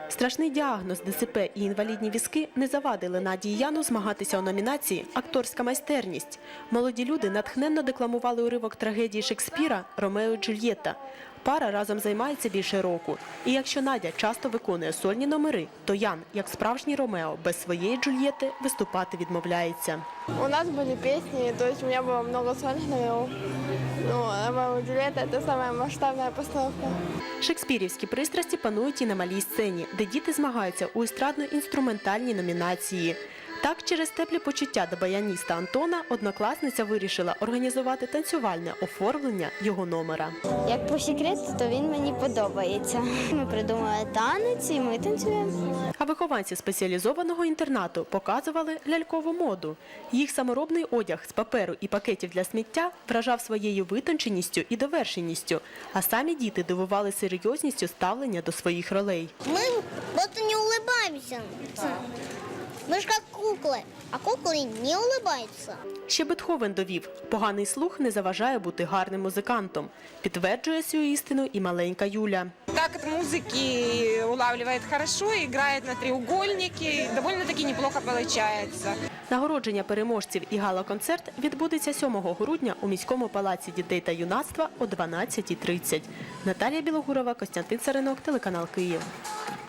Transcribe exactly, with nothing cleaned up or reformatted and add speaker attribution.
Speaker 1: Страшний діагноз, Д С П і інвалідні візки не завадили Надії Яну змагатися у номінації «Акторська майстерність». Молоді люди натхненно декламували уривок трагедії Шекспіра «Ромео і Джульєтта». Пара разом займається більше року. І якщо Надя часто виконує сольні номери, то Ян, як справжній Ромео, без своєї Джульєтти виступати відмовляється.
Speaker 2: У нас були пісні, тобто у мене було багато сольних номерів. Ну, «Ромео і Джульєтта» – це найбільша масштабна постановка.
Speaker 1: Шекспірівські пристрасті панують і на малій сцені, де діти змагаються у естрадно-інструментальній номінації. Так, через теплі почуття до баяніста Антона, однокласниця вирішила організувати танцювальне оформлення його номера.
Speaker 3: Як по секрету, то він мені подобається. Ми придумали танець і ми танцюємо.
Speaker 1: А вихованці спеціалізованого інтернату показували лялькову моду. Їх саморобний одяг з паперу і пакетів для сміття вражав своєю витонченістю і довершеністю, а самі діти дивували серйозністю ставлення до своїх ролей.
Speaker 4: Ми просто не улыбаємося. Ми ж як кукли, а кукли не улыбаються.
Speaker 1: Ще Бетховен довів, поганий слух не заважає бути гарним музикантом. Підтверджує цю істину і маленька Юля.
Speaker 5: Такт музыки улавливает хорошо, играет на треугольнике, довольно-таки неплохо получается.
Speaker 1: Нагородження переможців і гала-концерт відбудеться сьомого грудня у міському палаці дітей та юнацтва о дванадцятій тридцять. Наталія Білогурова, Костянтин Царинок, телеканал Київ.